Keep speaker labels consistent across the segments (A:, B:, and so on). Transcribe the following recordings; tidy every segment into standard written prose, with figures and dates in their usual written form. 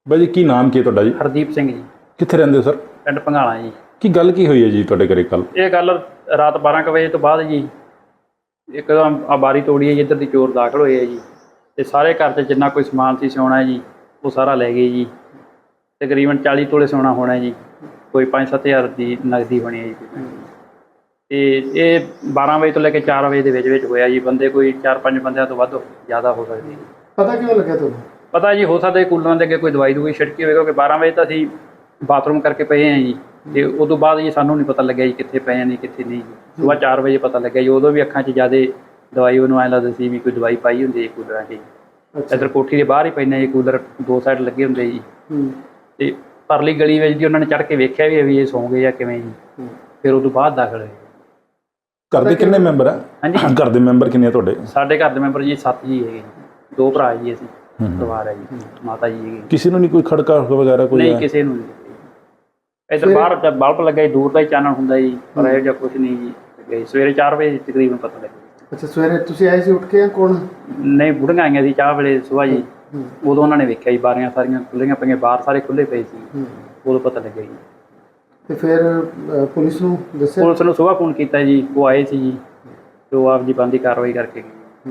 A: ਬਾਈ ਜੀ ਕੀ ਨਾਮ ਕੀ ਹੈ ਤੁਹਾਡਾ ਜੀ?
B: ਹਰਦੀਪ ਸਿੰਘ ਜੀ।
A: ਕਿੱਥੇ ਰਹਿੰਦੇ ਹੋ ਸਰ?
B: ਪਿੰਡ ਭੰਗਾਲਾ ਜੀ।
A: ਕੀ ਗੱਲ ਕੀ ਹੋਈ ਹੈ ਜੀ ਤੁਹਾਡੇ ਘਰੇ ਕੱਲ?
B: ਇਹ ਗੱਲ ਰਾਤ 12 ਕੁ ਵਜੇ ਤੋਂ ਬਾਅਦ ਜੀ ਇੱਕਦਮ ਆ ਬਾਰੀ ਤੋੜੀ ਹੈ ਜੀ, ਇੱਧਰ ਦੀ ਚੋਰ ਦਾਖਲ ਹੋਏ ਹੈ ਜੀ ਤੇ ਸਾਰੇ ਘਰ 'ਚ ਜਿੰਨਾ ਕੋਈ ਸਮਾਨ ਸੀ ਸੋਨਾ ਜੀ ਉਹ ਸਾਰਾ ਲੈ ਗਏ ਜੀ। ਤਕਰੀਬਨ 40 ਤੋਲੇ ਸੋਨਾ ਹੋਣਾ ਜੀ, ਕੋਈ 5-7 ਹਜ਼ਾਰ ਦੀ ਨਗਦੀ ਹੋਣੀ ਹੈ ਜੀ। ਤੇ ਇਹ 12 ਵਜੇ ਤੋਂ ਲੈ ਕੇ 4 ਵਜੇ ਦੇ ਵਿੱਚ ਹੋਇਆ ਜੀ। ਬੰਦੇ ਕੋਈ 4-5 ਬੰਦਿਆਂ ਤੋਂ ਵੱਧ ਜ਼ਿਆਦਾ ਹੋ ਸਕਦੇ।
C: ਪਤਾ ਕਿਉਂ ਲੱਗਿਆ ਤੁਹਾਨੂੰ?
B: ਪਤਾ ਜੀ ਹੋ ਸਕਦਾ ਕੂਲਰਾਂ ਦੇ ਅੱਗੇ ਕੋਈ ਦਵਾਈ ਦੂਈ ਛਿੜਕੀ ਹੋਵੇ, ਕਿਉਂਕਿ 12 ਵਜੇ ਤਾਂ ਅਸੀਂ ਬਾਥਰੂਮ ਕਰਕੇ ਪਏ ਹਾਂ ਜੀ ਤੇ ਉਦੋਂ ਬਾਅਦ ਜੀ ਸਾਨੂੰ ਨਹੀਂ ਪਤਾ ਲੱਗਿਆ ਜੀ ਕਿੱਥੇ ਪਏ ਨੇ ਕਿੱਥੇ ਨਹੀਂ ਜੀ। ਸੁਬਾਹ 4 ਵਜੇ ਪਤਾ ਲੱਗਿਆ ਜੀ। ਉਦੋਂ ਵੀ ਅੱਖਾਂ 'ਚ ਜ਼ਿਆਦਾ ਦਵਾਈ ਉਹਨੂੰ ਐਂ ਲੱਗਦਾ ਸੀ ਵੀ ਕੋਈ ਦਵਾਈ ਪਾਈ ਹੁੰਦੀ ਹੈ ਕੂਲਰਾਂ 'ਚ। ਇੱਧਰ ਕੋਠੀ ਦੇ ਬਾਹਰ ਹੀ ਪੈਂਦੇ ਜੀ, ਕੂਲਰ 2 ਸਾਈਡ ਲੱਗੇ ਹੁੰਦੇ ਜੀ। ਤੇ ਪਰਲੀ ਗਲੀ ਵਿੱਚ ਜੀ ਉਹਨਾਂ ਨੇ ਚੜ੍ਹ ਕੇ ਵੇਖਿਆ ਵੀ ਇਹ ਸੌਂ ਗਏ ਜਾਂ ਕਿਵੇਂ ਜੀ। ਫਿਰ ਉਦੋਂ ਬਾਅਦ ਦਾਖਲ ਹੋਏ।
A: ਘਰ ਦੇ ਕਿੰਨੇ ਮੈਂਬਰ ਆ?
B: ਹਾਂਜੀ,
A: ਘਰ ਦੇ ਮੈਂਬਰ ਕਿੰਨੇ ਆ ਤੁਹਾਡੇ?
B: ਸਾਡੇ ਘਰ ਦੇ ਮੈਂਬਰ ਜੀ 7 ਜੀ ਹੈਗੇ ਜੀ। 2 ਭਰਾ ਜੀ ਅਸੀਂ ਪਰਿਵਾਰ ਹੈ ਜੀ, ਮਾਤਾ ਜੀ ਹੈਗੇ।
A: ਕਿਸੇ ਨੂੰ ਨਹੀਂ ਕੋਈ ਖੜਕਾ ਵਗੈਰਾ ਕੋਈ?
B: ਨਹੀਂ, ਕਿਸੇ ਨੂੰ ਨਹੀਂ। ਇੱਧਰ ਬਾਹਰ ਬਲਬ ਲੱਗਾ ਜੀ, ਦੂਰ ਦਾ ਹੀ ਚਾਨਣ ਹੁੰਦਾ ਜੀ, ਪਰ ਇਹੋ ਜਿਹਾ ਕੁਛ ਨਹੀਂ ਜੀ। ਸਵੇਰੇ 4 ਵਜੇ ਤਕਰੀਬਨ ਪਤਾ ਲੱਗਿਆ।
C: ਅੱਛਾ, ਸਵੇਰੇ ਤੁਸੀਂ ਆਏ ਸੀ ਉੱਠ ਕੇ? ਕੌਣ?
B: ਨਹੀਂ, ਬੁੜੀਆਂ ਆਈਆਂ ਸੀ ਚਾਹ ਵੇਲੇ ਸੁਬਾਹ ਜੀ। ਉਦੋਂ ਉਹਨਾਂ ਨੇ ਵੇਖਿਆ ਜੀ ਬਾਰੀਆਂ ਸਾਰੀਆਂ ਖੁੱਲ੍ਹੀਆਂ ਪਈਆਂ, ਬਾਹਰ ਸਾਰੇ ਖੁੱਲ੍ਹੇ ਪਏ ਸੀ। ਉਦੋਂ ਪਤਾ ਲੱਗਿਆ ਜੀ।
C: ਤੇ ਫਿਰ ਪੁਲਿਸ ਨੂੰ ਦੱਸਿਆ?
B: ਪੁਲਿਸ ਨੂੰ ਸੁਬਾਹ ਫੋਨ ਕੀਤਾ ਜੀ, ਉਹ ਆਏ ਸੀ ਜੀ, ਜੋ ਆਪ ਜੀ ਬਣਦੀ ਕਾਰਵਾਈ ਕਰਕੇ ਗਏ।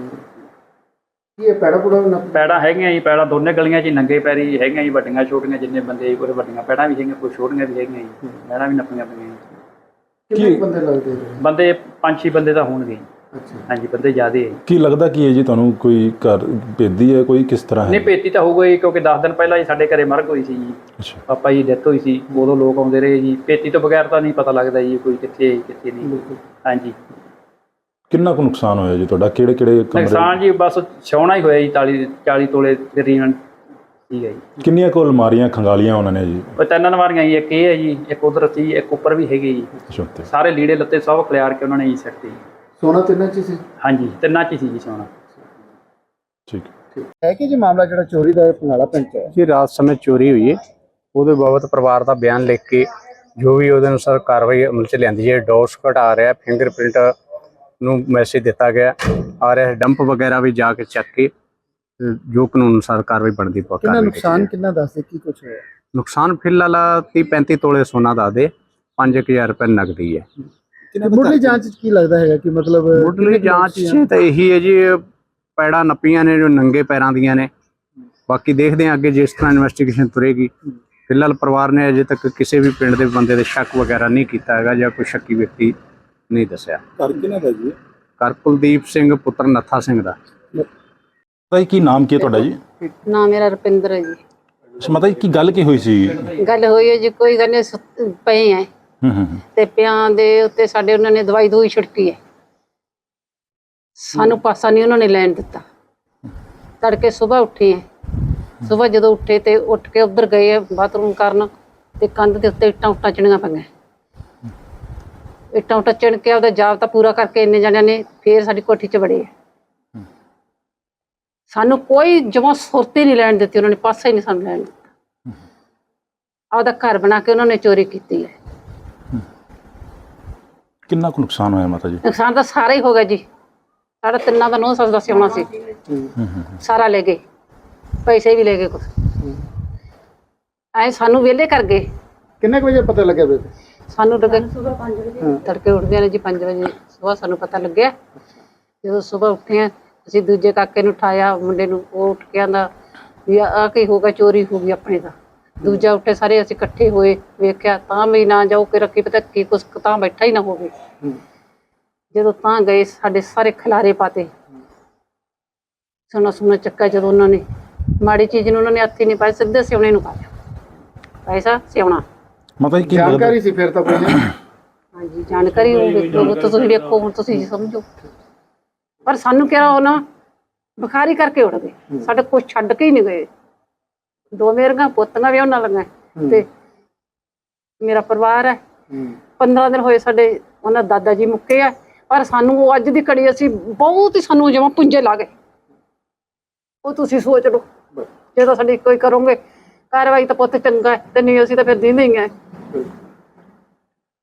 C: ਇਹ ਪੈੜਾ ਪੁੜਾ
B: ਪੈੜਾਂ ਹੈਗੀਆਂ ਜੀ, ਪੈੜਾਂ ਦੋਨੇ ਗਲੀਆਂ 'ਚ ਹੀ ਨੰਗੇ ਪੈਰੀ ਹੈਗੀਆਂ ਜੀ, ਵੱਡੀਆਂ ਛੋਟੀਆਂ ਜਿੰਨੇ ਬੰਦੇ ਕੋਈ ਵੱਡੀਆਂ ਪੈੜਾਂ ਵੀ ਹੈਗੀਆਂ, ਕੋਈ ਛੋਟੀਆਂ ਵੀ ਹੈਗੀਆਂ ਜੀ। ਪੈੜਾਂ ਵੀ ਨੱਪੀਆਂ ਪਈਆਂ ਜੀ।
C: ਕਿੰਨੇ ਬੰਦੇ ਲੱਗਦੇ?
B: ਬੰਦੇ 5-6 ਬੰਦੇ ਤਾਂ ਹੋਣਗੇ ਜੀ।
C: ਅੱਛਾ,
B: ਹਾਂਜੀ, ਬੰਦੇ ਜ਼ਿਆਦੇ ਹੈ।
A: ਕੀ ਲੱਗਦਾ ਕੀ ਹੈ ਜੀ ਤੁਹਾਨੂੰ? ਕੋਈ ਘਰ ਭੇਦੀ ਹੈ ਕੋਈ, ਕਿਸ ਤਰ੍ਹਾਂ ਹੈ?
B: ਨਹੀਂ, ਭੇਤੀ ਤਾਂ ਹੋਊਗਾ ਜੀ, ਕਿਉਂਕਿ 10 ਦਿਨ ਪਹਿਲਾਂ ਹੀ ਸਾਡੇ ਘਰੇ ਮਰਗ ਹੋਈ ਸੀ ਜੀ।
A: ਅੱਛਾ,
B: ਪਾਪਾ ਜੀ ਡੈਥ ਹੋਈ ਸੀ, ਉਦੋਂ ਲੋਕ ਆਉਂਦੇ ਰਹੇ ਜੀ। ਭੇਤੀ ਤੋਂ ਬਗੈਰ ਤਾਂ ਨਹੀਂ ਪਤਾ ਲੱਗਦਾ ਜੀ ਕੋਈ ਕਿੱਥੇ ਕਿੱਥੇ ਨਹੀਂ। ਹਾਂਜੀ।
A: ਕਿੰਨਾ ਕੁ ਨੁਕਸਾਨ ਹੋਇਆ ਜੀ ਤੁਹਾਡਾ? ਕਿਹੜੇ ਕਿਹੜੇ
B: ਨੁਕਸਾਨ ਜੀ ਬਸ ਛਾਉਣਾ ਹੀ ਹੋਇਆ ਜੀ। 40 ਤੋਲੇ ਤਕਰੀਬਨ ਠੀਕ ਹੈ ਜੀ।
A: ਕਿੰਨੀਆਂ ਕੁ ਅਲਮਾਰੀਆਂ ਖੰਗਾਲੀਆਂ ਉਹਨਾਂ ਨੇ ਜੀ?
B: ਉਹ 3 ਅਲਮਾਰੀਆਂ ਜੀ, ਇੱਕ ਇਹ ਹੈ ਜੀ, ਇੱਕ ਉਧਰ ਸੀ, ਇੱਕ ਉੱਪਰ ਵੀ ਹੈਗੀ ਜੀ।
A: ਅੱਛਾ, ਉੱਤੇ
B: ਸਾਰੇ ਲੀੜੇ ਲੱਤੇ ਸਭ ਖਿਲਾਰ ਕੇ ਉਹਨਾਂ ਨੇ ਜੀ ਸੱਟੇ ਜੀ।
C: ਸੋਨਾ ਤਿੰਨਾਂ 'ਚ ਸੀ?
B: ਹਾਂਜੀ, 3 'ਚ ਸੀ ਜੀ ਸੋਨਾ।
A: ਠੀਕ
C: ਹੈ ਕਿ ਜੀ ਮਾਮਲਾ ਜਿਹੜਾ ਚੋਰੀ ਦਾ ਭੰਗਾਲਾ ਪਿੰਡ 'ਚ ਹੈ?
D: ਜੀ ਰਾਤ ਸਮੇਂ ਚੋਰੀ ਹੋਈ ਹੈ, ਉਹਦੇ ਬਾਬਤ ਪਰਿਵਾਰ ਦਾ ਬਿਆਨ ਲਿਖ ਕੇ ਜੋ ਵੀ ਉਹਦੇ ਅਨੁਸਾਰ ਕਾਰਵਾਈ ਅਮਲ 'ਚ ਲਿਆਂਦੀ ਹੈ। ਡੋਸ ਘਟਾ ਰਿਹਾ, ਫਿੰਗਰਪ੍ਰਿੰਟ ਨੂੰ ਮੈਸੇਜ ਦਿੱਤਾ ਗਿਆ ਆ ਰਿਹਾ, ਡੰਪ ਵਗੈਰਾ ਵੀ ਜਾ ਕੇ ਚੱਕ ਕੇ ਜੋ ਕਾਨੂੰਨ ਅਨੁਸਾਰ ਕਾਰਵਾਈ ਬਣਦੀ ਪੱਕਾ।
C: ਕਿੰਨਾ ਨੁਕਸਾਨ ਕਿੰਨਾ ਦੱਸਦੇ ਕੀ ਕੁਛ ਹੋਇਆ?
D: ਨੁਕਸਾਨ ਫਿਲਹਾਲ 30-35 ਤੋਲੇ ਸੋਨਾ ਦਾ ਦੇ 5000 ਰੁਪਏ ਨਗਦੀ ਹੈ।
C: ਮੁੱਢਲੀ ਜਾਂਚ 'ਚ ਕੀ ਲੱਗਦਾ ਹੈਗਾ ਕਿ ਮਤਲਬ
D: ਮੁੱਢਲੀ ਜਾਂਚ 'ਚ ਤਾਂ ਇਹੀ ਹੈ ਜੀ, ਪੈੜਾਂ ਨੱਪੀਆਂ ਨੇ ਜੋ ਨੰਗੇ ਪੈਰਾਂ ਦੀਆਂ ਨੇ। ਬਾਕੀ ਦੇਖਦੇ ਹਾਂ ਅੱਗੇ ਜਿਸ ਤਰ੍ਹਾਂ ਇਨਵੈਸਟੀਗੇਸ਼ਨ ਤੁਰੇਗੀ। ਫਿਲਹਾਲ ਪਰਿਵਾਰ ਨੇ ਅਜੇ ਤੱਕ ਕਿਸੇ ਵੀ ਪਿੰਡ ਦੇ ਬੰਦੇ ਦੇ ਸ਼ੱਕ ਵਗੈਰਾ ਨਹੀਂ ਕੀਤਾ ਹੈਗਾ ਜਾਂ ਕੋਈ ਸ਼ੱਕੀ ਵਿਅਕਤੀ ਨਹੀਂ ਦੱਸਿਆ।
A: ਘਰ ਕਿਹਨਾਂ ਦਾ ਜੀ?
D: ਘਰ ਕੁਲਦੀਪ ਸਿੰਘ ਪੁੱਤਰ ਨੱਥਾ ਸਿੰਘ ਦਾ।
A: ਭਾਈ ਕੀ ਨਾਮ ਕੀ ਹੈ ਤੁਹਾਡਾ ਜੀ?
E: ਨਾਮ ਮੇਰਾ ਰੁਪਿੰਦਰ ਹੈ ਜੀ।
A: ਅੱਛਾ ਮਾਤਾ ਜੀ, ਕੀ ਗੱਲ ਕੀ ਹੋਈ ਸੀ?
E: ਗੱਲ ਹੋਈ ਹੈ ਜੀ, ਕੋਈ ਗੱਲ ਨਹੀਂ, ਪਏ ਹੈ ਤੇ ਪਿਆਂ ਦੇ ਉੱਤੇ ਸਾਡੇ ਉਹਨਾਂ ਨੇ ਦਵਾਈ ਦੂਈ ਛਿੜਕੀ ਹੈ। ਸਾਨੂੰ ਪਾਸਾ ਨਹੀਂ ਉਹਨਾਂ ਨੇ ਲੈਣ ਦਿੱਤਾ। ਤੜਕੇ ਸਵੇਰ ਉੱਠੇ ਹੈ, ਸਵੇਰ ਜਦੋਂ ਉੱਠੇ ਤੇ ਉੱਠ ਕੇ ਉੱਧਰ ਗਏ ਹੈ ਬਾਥਰੂਮ ਕਰਨ ਤੇ ਕੰਧ ਦੇ ਉੱਤੇ ਇੱਟਾਂ ਉੱਟਾਂ ਚਿਣੀਆਂ ਪਈਆਂ। ਇੱਟਾਂ ਉੱਟਾਂ ਚਿਣ ਕੇ ਉਹਦਾ ਜਾਬਤਾ ਪੂਰਾ ਕਰਕੇ ਇੰਨੇ ਜਣਿਆਂ ਨੇ ਫੇਰ ਸਾਡੀ ਕੋਠੀ 'ਚ ਵੜੇ। ਸਾਨੂੰ ਕੋਈ ਜਮਾਂ ਸੁਰਤ ਹੀ ਨਹੀਂ ਲੈਣ ਦਿੱਤੀ, ਉਹਨਾਂ ਨੇ ਪਾਸਾ ਹੀ ਨਹੀਂ ਸਾਨੂੰ ਲੈਣ ਦਿੱਤਾ। ਆਪਦਾ ਘਰ ਬਣਾ ਕੇ ਉਹਨਾਂ ਨੇ ਚੋਰੀ ਕੀਤੀ ਹੈ।
A: ਕਿੰਨਾ ਕੁ ਨੁਕਸਾਨ ਹੋਇਆ ਮਾਤਾ ਜੀ?
E: ਨੁਕਸਾਨ ਤਾਂ ਸਾਰਾ ਹੀ ਹੋ ਗਿਆ ਜੀ। ਸਾਡਾ ਤਿੰਨਾਂ ਦਾ 9 ਸਾਲ ਦਾ ਸਿਉਣਾ ਸੀ, ਸਾਰਾ ਲੈ ਗਏ, ਪੈਸੇ ਵੀ ਲੈ ਗਏ ਕੁਛ। ਐ ਸਾਨੂੰ ਵਿਹਲੇ ਕਰ ਗਏ।
C: ਕਿੰਨੇ ਕੁ ਵਜੇ ਪਤਾ ਲੱਗਿਆ ਬੇਬੇ?
E: ਸਾਨੂੰ ਲੱਗੇ ਤੜਕੇ ਉੱਠਦੇ ਨੇ ਜੀ 5 ਵਜੇ ਸੁਬਾਹ ਸਾਨੂੰ ਪਤਾ ਲੱਗਿਆ। ਜਦੋਂ ਸੁਬਾਹ ਉੱਠੇ ਆ ਅਸੀਂ ਦੂਜੇ ਕਾਕੇ ਨੂੰ ਉਠਾਇਆ, ਮੁੰਡੇ ਨੂੰ, ਉਹ ਉੱਠ ਕੇ ਆਂਦਾ ਵੀ ਆਹ ਕੀ ਹੋ ਗਿਆ, ਚੋਰੀ ਹੋ ਗਈ ਆਪਣੇ ਦਾ। ਦੂਜਾ ਉੱਠੇ, ਸਾਰੇ ਅਸੀਂ ਇਕੱਠੇ ਹੋਏ, ਵੇਖਿਆ ਤਾਂ ਵੀ ਨਾ ਜਾਓ ਕਿ ਰੱਖੀ ਪਤਾ ਕੀ ਕੁਛ ਤਾਂ ਬੈਠਾ ਹੀ ਨਾ ਹੋਵੇ। ਜਦੋਂ ਤਾਂ ਗਏ ਸਾਡੇ ਸਾਰੇ ਖਿਲਾਰੇ ਪਾਤੇ, ਸੋਨਾ ਸੁਨਾ ਚੱਕਾ। ਜਦੋਂ ਉਹਨਾਂ ਨੇ ਮਾੜੀ ਚੀਜ਼ ਨੂੰ ਉਹਨਾਂ ਨੇ ਹੱਥ ਹੀ ਨਹੀਂ ਪਾਇਆ, ਸਿੱਧੇ ਸਿਉਣੇ ਨੂੰ ਪਾਇਆ ਪੈਸਾ ਸਿਉਣਾ।
A: ਮਾਤਾ ਜੀ ਕੀ
C: ਜਾਣਕਾਰੀ ਸੀ ਫਿਰ ਤਾਂ ਕੋਈ?
E: ਹਾਂਜੀ, ਜਾਣਕਾਰੀ ਤੁਸੀਂ ਵੇਖੋ, ਹੁਣ ਤੁਸੀਂ ਸਮਝੋ। ਪਰ ਸਾਨੂੰ ਕਿਹਾ ਉਹ ਨਾ ਬੁਖਾਰੀ ਕਰਕੇ ਉੱਡ ਗਏ, ਸਾਡੇ ਕੁਛ ਛੱਡ ਕੇ ਹੀ ਨਹੀਂ ਗਏ। 2 ਮੇਰੀਆਂ ਪੋਤੀਆਂ ਵੀ ਉਹਨਾਂ ਲਗੀਆਂ ਤੇ ਮੇਰਾ ਪਰਿਵਾਰ ਹੈ। 15 ਦਿਨ ਹੋਏ ਸਾਡੇ ਉਹਨਾਂ ਦਾਦਾ ਜੀ ਮੁੱਕੇ ਆ, ਪਰ ਸਾਨੂੰ ਉਹ ਅੱਜ ਦੀ ਘੜੀ ਅਸੀਂ ਬਹੁਤ ਹੀ ਸਾਨੂੰ ਜਿਵੇਂ ਪੁੰਜੇ ਲਾ ਗਏ। ਉਹ ਤੁਸੀਂ ਸੋਚ ਲਓ, ਜੇ ਤਾਂ ਸਾਡੀ ਕੋਈ ਕਰੋਗੇ ਕਾਰਵਾਈ ਤਾਂ ਪੁੱਤ ਚੰਗਾ ਹੈ, ਤੇ ਨਹੀਂ ਅਸੀਂ ਤਾਂ ਫਿਰ ਦਿੰਦੇ ਹੀ ਆ।